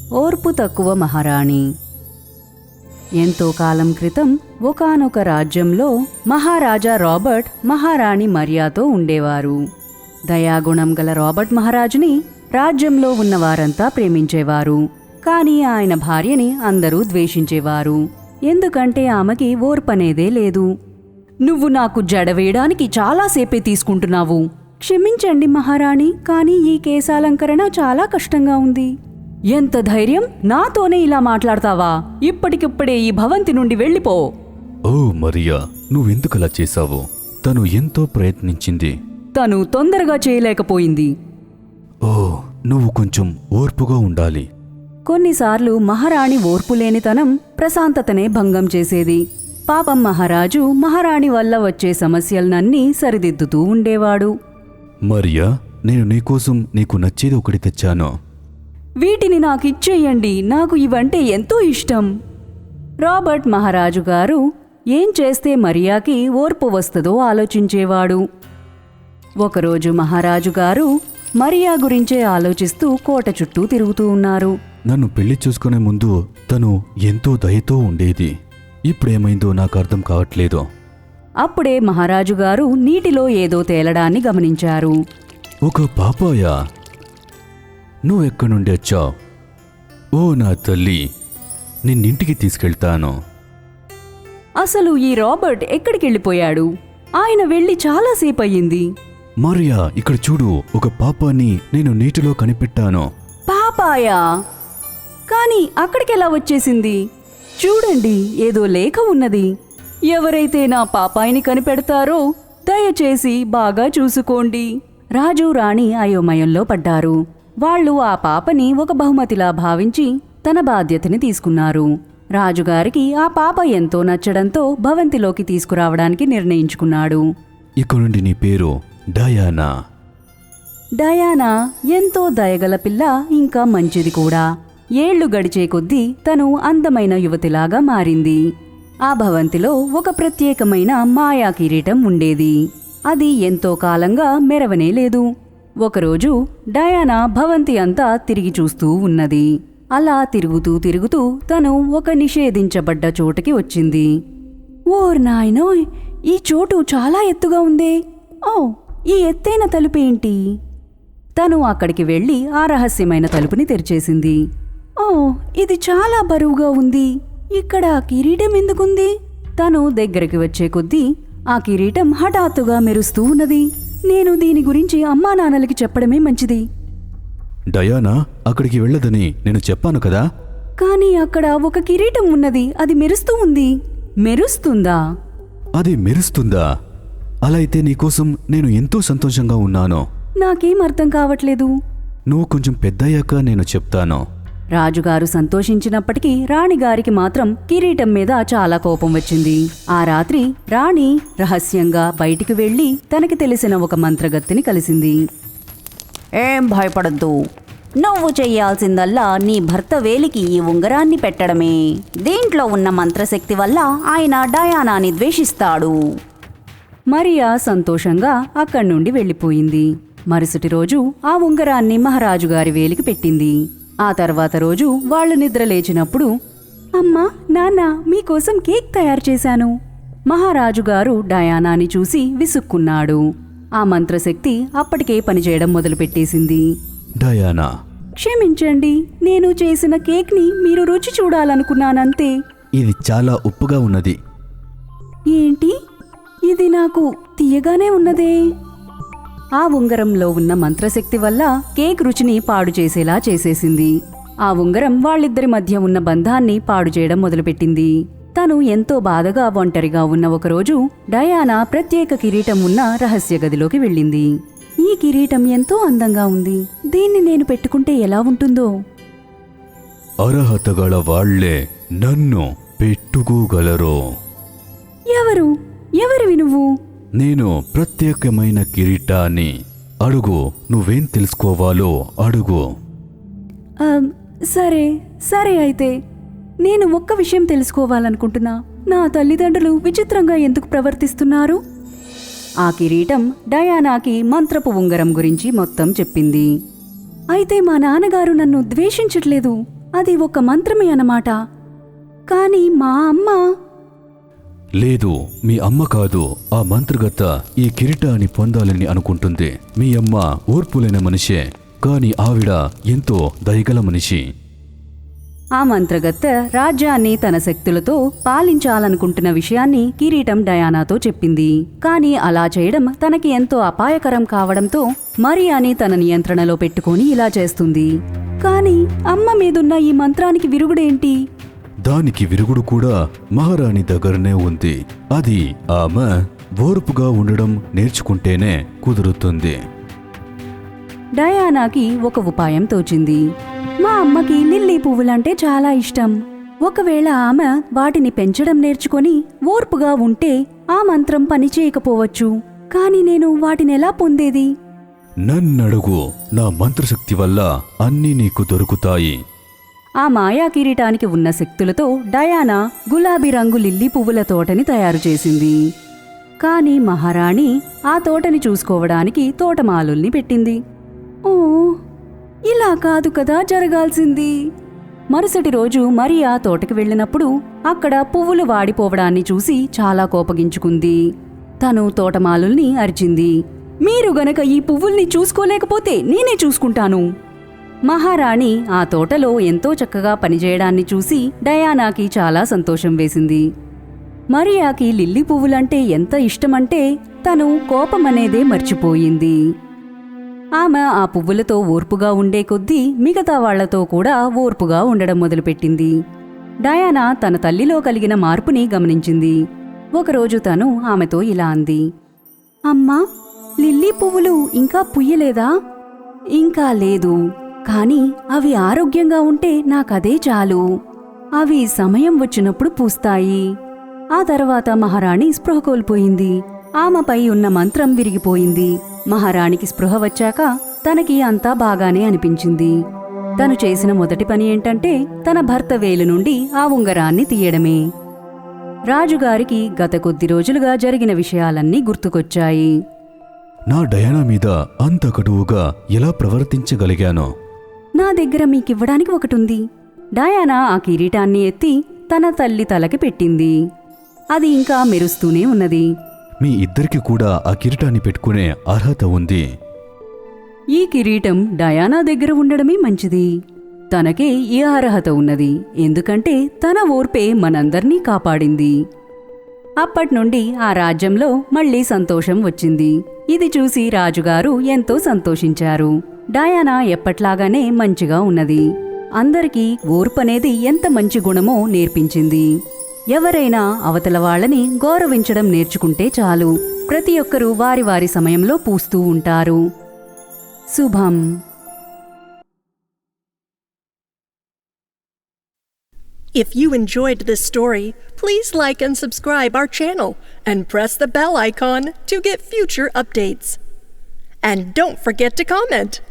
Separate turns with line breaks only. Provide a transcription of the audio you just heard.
ఓర్పు తక్కువ మహారాణి. ఎంతో కాలం క్రితం ఒకానొక రాజ్యంలో మహారాజా రాబర్ట్ మహారాణి మరియాతో ఉండేవారు. దయాగుణం గల రాబర్ట్ మహారాజుని రాజ్యంలో ఉన్నవారంతా ప్రేమించేవారు. కానీ ఆయన భార్యని అందరూ ద్వేషించేవారు. ఎందుకంటే ఆమెకి ఓర్పనేదే లేదు. నువ్వు నాకు జడ వేయడానికి చాలాసేపే తీసుకుంటున్నావు. క్షమించండి మహారాణి, కానీ ఈ కేశాలంకరణ చాలా కష్టంగా ఉంది. ఎంత ధైర్యం, నాతోనే ఇలా మాట్లాడతావా? ఇప్పటికిప్పుడే ఈ భవంతి నుండి వెళ్ళిపో.
ఓ మరియా, నువ్వెందుకలా చేశావు? తను ఎంతో ప్రయత్నించింది.
తను తొందరగా చేయలేకపోయింది.
ఓ, నువ్వు కొంచెం ఓర్పుగా ఉండాలి.
కొన్నిసార్లు మహారాణి ఓర్పులేనితనం ప్రశాంతతనే భంగం చేసేది. పాపం మహారాజు మహారాణి వల్ల వచ్చే సమస్యలనన్నీ సరిదిద్దుతూ ఉండేవాడు.
మరియా, నేను నీకోసం నీకు నచ్చేది ఒకటి తెచ్చాను.
వీటిని నాకిచ్చేయండి, నాకు ఇవంటే ఎంతో ఇష్టం. రాబర్ట్ మహారాజు గారు ఏం చేస్తే మరియాకి ఓర్పు వస్తుందో ఆలోచించేవాడు. ఒకరోజు మహారాజు గారు మరియా గురించే ఆలోచిస్తూ కోట చుట్టూ తిరుగుతూ ఉన్నారు.
నన్ను పెళ్లి చూసుకునే ముందు తను ఎంతో దయతో ఉండేది. ఇప్పుడేమైందో నాకు అర్థం కావట్లేదు.
అప్పుడే మహారాజు గారు నీటిలో ఏదో తేలడాన్ని గమనించారు.
ఒక పాపాయా? నువ్వెక్కడి నుండి వచ్చావు? ఓ నా తల్లి, నిన్నింటికి తీసుకెళ్తాను.
అసలు ఈ రాబర్ట్ ఎక్కడికెళ్ళిపోయాడు? ఆయన వెళ్ళి చాలాసేపు అయ్యింది.
మరియా, ఇక్కడ చూడు, ఒక పాపాన్ని నేను నీటిలో కనిపెట్టాను.
పాపాయా? కానీ అక్కడికెలా వచ్చేసింది? చూడండి, ఏదో లేఖ ఉన్నది. ఎవరైతే నా పాపాయిని కనిపెడతారో దయచేసి బాగా చూసుకోండి. రాజు రాణి అయోమయంలో పడ్డారు. వాళ్ళు ఆ పాపని ఒక బహుమతిలా భావించి తన బాధ్యతని తీసుకున్నారు. రాజుగారికి ఆ పాప ఎంతో నచ్చడంతో భవంతిలోకి తీసుకురావడానికి నిర్ణయించుకున్నాడు.
ఇక నుండి నీ పేరు డయానా.
డయానా ఎంతో దయగల పిల్ల, ఇంకా మంచిది కూడా. ఏళ్లు గడిచే కొద్దీ తను అందమైన యువతిలాగా మారింది. ఆ భవంతిలో ఒక ప్రత్యేకమైన మాయా కిరీటం ఉండేది. అది ఎంతో కాలంగా మెరవనే లేదు. ఒకరోజు డయానా భవంతి అంతా తిరిగి చూస్తూ ఉన్నది. అలా తిరుగుతూ తిరుగుతూ తను ఒక నిషేధించబడ్డ చోటుకి వచ్చింది. ఓర్ నాయనోయ్, ఈ చోటు చాలా ఎత్తుగా ఉందే. ఓ, ఈ ఎత్తైన తలుపేంటి? తను అక్కడికి వెళ్లి ఆ రహస్యమైన తలుపుని తెరిచేసింది. ఓ, ఇది చాలా బరువుగా ఉంది. ఇక్కడ కిరీటం ఎందుకుంది? తను దగ్గరికి వచ్చే కొద్దీ ఆ కిరీటం హఠాత్తుగా మెరుస్తూ ఉన్నది. నేను దీని గురించి అమ్మా నాన్నలకి చెప్పడమే మంచిది.
డయానా, అక్కడికి వెళ్ళదని నేను చెప్పాను కదా.
కానీ అక్కడ ఒక కిరీటం ఉన్నది, అది మెరుస్తూ ఉంది. మెరుస్తుందా?
అది మెరుస్తుందా? అలా అయితే నీకోసం నేను ఎంతో సంతోషంగా ఉన్నాను.
నాకేం అర్థం కావట్లేదు.
నువ్వు కొంచెం పెద్దయ్యాక నేను చెప్తాను.
రాజుగారు సంతోషించినప్పటికీ రాణిగారికి మాత్రం కిరీటం మీద చాలా కోపం వచ్చింది. ఆ రాత్రి రాణి రహస్యంగా బయటికి వెళ్లి తనకి తెలిసిన ఒక మంత్రగత్తెని కలిసింది. ఏం భయపడద్దు, నువ్వు చెయ్యాల్సిందల్లా నీ భర్త వేలికి ఈ ఉంగరాన్ని పెట్టడమే. దీంట్లో ఉన్న మంత్రశక్తి వల్ల ఆయన డయానాని ద్వేషిస్తాడు. మరియా సంతోషంగా అక్కడి నుండి వెళ్ళిపోయింది. మరుసటి రోజు ఆ ఉంగరాన్ని మహారాజుగారి వేలికి పెట్టింది. ఆ తర్వాత రోజు వాళ్ళు నిద్రలేచినప్పుడు, అమ్మా, నాన్న, మీకోసం కేక్ తయారు చేశాను. మహారాజుగారు డయానాని చూసి విసుక్కున్నాడు. ఆ మంత్రశక్తి అప్పటికే పనిచేయడం మొదలుపెట్టేసింది.
డయానా,
క్షమించండి, నేను చేసిన కేక్ని మీరు రుచి చూడాలనుకున్నానంతే.
ఇది చాలా ఉప్పుగా ఉన్నది.
ఏంటి? ఇది నాకు తీయగానే ఉన్నదే. ఆ ఉంగరంలో ఉన్న మంత్రశక్తి వల్ల కేక్ రుచిని పాడు చేసేలా చేసేసింది. ఆ ఉంగరం వాళ్ళిద్దరి మధ్య ఉన్న బంధాన్ని పాడు చేయడం మొదలుపెట్టింది. తను ఎంతో బాధగా ఒంటరిగా ఉన్న ఒకరోజు డయానా ప్రత్యేక కిరీటం ఉన్న రహస్య గదిలోకి వెళ్ళింది. ఈ కిరీటం ఎంతో అందంగా ఉంది. దీన్ని నేను పెట్టుకుంటే ఎలా ఉంటుందో?
అర్హత గల వాళ్లే నన్ను పెట్టుకోగలరు.
ఎవరివి నువ్వు?
నేను ప్రత్యేకమైన కిరీటాన్ని. అడుగు, నువ్వేం తెలుసుకోవాలో అడుగు.
సరే అయితే నేను ఒక్క విషయం తెలుసుకోవాలనుకుంటున్నా. నా తల్లిదండ్రులు విచిత్రంగా ఎందుకు ప్రవర్తిస్తున్నారు? ఆ కిరీటం డయానాకి మంత్రపు ఉంగరం గురించి మొత్తం చెప్పింది. అయితే మా నాన్నగారు నన్ను ద్వేషించట్లేదు. అది ఒక మంత్రమే అన్నమాట. కాని మా అమ్మ...
లేదు, మీ అమ్మ కాదు. ఆ మంత్రగత్త ఈ కిరీటాన్ని పొందాలని అనుకుంటుంది. మీ అమ్మ ఓర్పులేని మనిషే, కాని ఆవిడ ఎంతో దయగల మనిషి.
ఆ మంత్రగత్తె రాజ్యాన్ని తన శక్తులతో పాలించాలనుకుంటున్న విషయాన్ని కిరీటం డయానాతో చెప్పింది. కాని అలా చేయడం తనకి ఎంతో అపాయకరం కావడంతో మరియాని తన నియంత్రణలో పెట్టుకుని ఇలా చేస్తుంది. కాని అమ్మ మీదున్న ఈ మంత్రానికి విరుగుడేంటి?
దానికి విరుగుడు కూడా మహారాణి దగ్గరనే ఉంది. అది ఆమె ఓర్పుగా ఉండడం నేర్చుకుంటేనే కుదురుతుంది.
డయానాకి ఒక ఉపాయం తోచింది. మా అమ్మకి లిల్లీ పువ్వులంటే చాలా ఇష్టం. ఒకవేళ ఆమె వాటిని పెంచడం నేర్చుకొని ఓర్పుగా ఉంటే ఆ మంత్రం పనిచేయకపోవచ్చు. కాని నేను వాటినెలా పొందేది?
నన్నడుగు, నా మంత్రశక్తి వల్ల అన్నీ నీకు దొరుకుతాయి.
ఆ మాయా కిరీటానికి ఉన్న శక్తులతో డయానా గులాబీ రంగు లిల్లీ పువ్వుల తోటని తయారు చేసింది. కాని మహారాణి ఆ తోటని చూసుకోవడానికి తోటమాలుల్ని పెట్టింది. ఓ, ఇలా కాదు కదా జరగాల్సింది. మరుసటి రోజు మరియా తోటకి వెళ్ళినప్పుడు అక్కడ పువ్వులు వాడిపోవడాన్ని చూసి చాలా కోపగించుకుంది. తను తోటమాలుల్ని అరిచింది, మీరు గనక ఈ పువ్వుల్ని చూసుకోలేకపోతే నేనే చూసుకుంటాను. మహారాణి ఆ తోటలో ఎంతో చక్కగా పనిచేయడాన్ని చూసి డయానాకి చాలా సంతోషం వేసింది. మరియాకి లిల్లీ పువ్వులంటే ఎంత ఇష్టమంటే తను కోపమనేదే మర్చిపోయింది. ఆమె ఆ పువ్వులతో ఓర్పుగా ఉండే కొద్దీ మిగతా వాళ్లతో కూడా ఓర్పుగా ఉండడం మొదలుపెట్టింది. డయానా తన తల్లిలో కలిగిన మార్పుని గమనించింది. ఒకరోజు తను ఆమెతో ఇలా అంది, అమ్మా, లిల్లీ పువ్వులు ఇంకా పుయ్యలేదా? ఇంకా లేదు, కాని అవి ఆరోగ్యంగా ఉంటే నాకదే చాలు. అవి సమయం వచ్చినప్పుడు పూస్తాయి. ఆ తర్వాత మహారాణి స్పృహ కోల్పోయింది. ఆమెపై ఉన్న మంత్రం విరిగిపోయింది. మహారాణికి స్పృహ వచ్చాక తనకి అంతా బాగానే అనిపించింది. తను చేసిన మొదటి పని ఏంటంటే తన భర్త వేలు నుండి ఆ ఉంగరాన్ని తీయడమే. రాజుగారికి గత కొద్ది రోజులుగా జరిగిన విషయాలన్నీ గుర్తుకొచ్చాయి.
నా డయానా మీద అంత కటువుగా ఎలా ప్రవర్తించగలిగానో?
నా దగ్గర మీకివ్వడానికి ఒకటుంది. డయానా ఆ కిరీటాన్ని ఎత్తి తన తల్లి తలకి పెట్టింది. అది ఇంకా మెరుస్తూనే ఉన్నది.
మీ ఇద్దరికి కూడా ఆ కిరీటాన్ని పెట్టుకునే అర్హత ఉంది.
ఈ కిరీటం డయానా దగ్గర ఉండడమే మంచిది. తనకే ఈ అర్హత ఉన్నది, ఎందుకంటే తన ఓర్పే మనందర్నీ కాపాడింది. అప్పట్నుండి ఆ రాజ్యంలో మళ్లీ సంతోషం వచ్చింది. ఇది చూసి రాజుగారు ఎంతో సంతోషించారు. డయానా ఎప్పట్లాగానే మంచిగా ఉన్నది. అందరికీ ఓర్పనేది ఎంత మంచి గుణమో నేర్పించింది. ఎవరైనా అవతల వాళ్ళని గౌరవించడం నేర్చుకుంటే చాలు, ప్రతి ఒక్కరూ వారి వారి సమయంలో పూస్తూ ఉంటారు. శుభం.
If you enjoyed this story, please like and subscribe our channel and press the bell icon to get future updates. And don't forget to comment.